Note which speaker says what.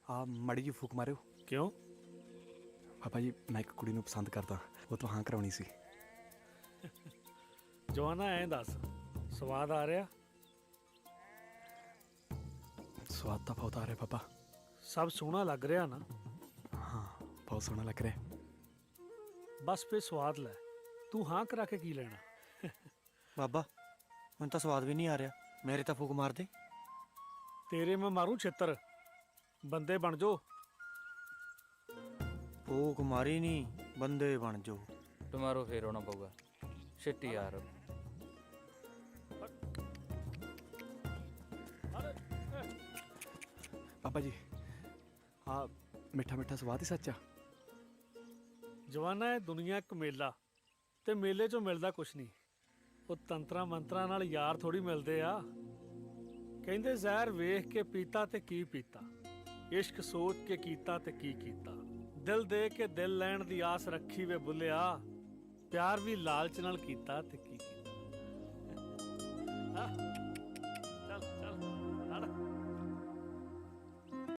Speaker 1: ਆ ਮੜੀ ਜੀ ਫੂਕ ਮਾਰਿਓ।
Speaker 2: ਕਿਉਂ?
Speaker 1: ਪਾਪਾ ਜੀ ਮੈਂ ਇੱਕ ਕੁੜੀ ਨੂੰ ਪਸੰਦ ਕਰਦਾ, ਉਹ ਤੋਂ ਹਾਂ ਕਰਾਉਣੀ ਸੀ।
Speaker 2: ਜਵਾਨਾ ਐਂ ਦੱਸ, ਸਵਾਦ ਆ ਰਿਹਾ?
Speaker 1: ਸਵਾਦ ਤਾਂ ਬਹੁਤ ਆ ਰਿਹਾ ਪਾਪਾ।
Speaker 2: ਸਭ ਸੋਹਣਾ ਲੱਗ ਰਿਹਾ ਨਾ?
Speaker 1: ਹਾਂ ਬਹੁਤ ਸੋਹਣਾ ਲੱਗ ਰਿਹਾ।
Speaker 2: ਬਸ ਫੇ ਸਵਾਦ ਲੈ, ਤੂੰ ਹਾਂ ਕਰਾ ਕੇ ਕੀ ਲੈਣਾ?
Speaker 3: ਬਾਬਾ ਮੈਨੂੰ ਤਾਂ ਸਵਾਦ ਵੀ ਨਹੀਂ ਆ ਰਿਹਾ, ਮੇਰੇ ਤਾਂ ਫੂਕ ਮਾਰ ਦੇ।
Speaker 2: ਤੇਰੇ ਮੈਂ ਮਾਰੂ ਛਿੱਤਰ, ਬੰਦੇ ਬਣ ਜੋ।
Speaker 3: ਫੂਕ ਮਾਰੀ ਨਹੀਂ, ਬੰਦੇ ਬਣ ਜੋ।
Speaker 4: ਟਮਾਰੋ ਫੇਰ ਆਉਣਾ ਪਊਗਾ। ਛਿੱਟੀ ਯਾਰ।
Speaker 1: ਪਾਪਾ ਜੀ ਆ ਮਿੱਠਾ ਮਿੱਠਾ ਸਵਾਦ ਹੀ ਸੱਚ ਆ।
Speaker 2: ਜਵਾਨਾ, ਇਹ ਦੁਨੀਆ ਇੱਕ ਮੇਲਾ, ਤੇ ਮੇਲੇ 'ਚੋਂ ਮਿਲਦਾ ਕੁਛ ਨਹੀਂ। ਉਹ ਤੰਤਰਾਂ ਮੰਤਰਾਂ ਨਾਲ ਯਾਰ ਥੋੜੀ ਮਿਲਦੇ ਆ। ਕਹਿੰਦੇ ਜ਼ਹਿਰ ਵੇਖ ਕੇ ਪੀਤਾ ਤੇ ਕੀ ਪੀਤਾ, ਇਸ਼ਕ ਸੋਚ ਕੇ ਕੀਤਾ ਤੇ ਕੀ ਕੀਤਾ। ਦਿਲ ਦੇ ਕੇ ਦਿਲ ਲੈਣ ਦੀ ਆਸ ਰੱਖੀ ਵੇ ਬੁੱਲਿਆ, ਪਿਆਰ ਵੀ ਲਾਲਚ ਨਾਲ ਕੀਤਾ ਤੇ ਕੀ ਕੀਤਾ।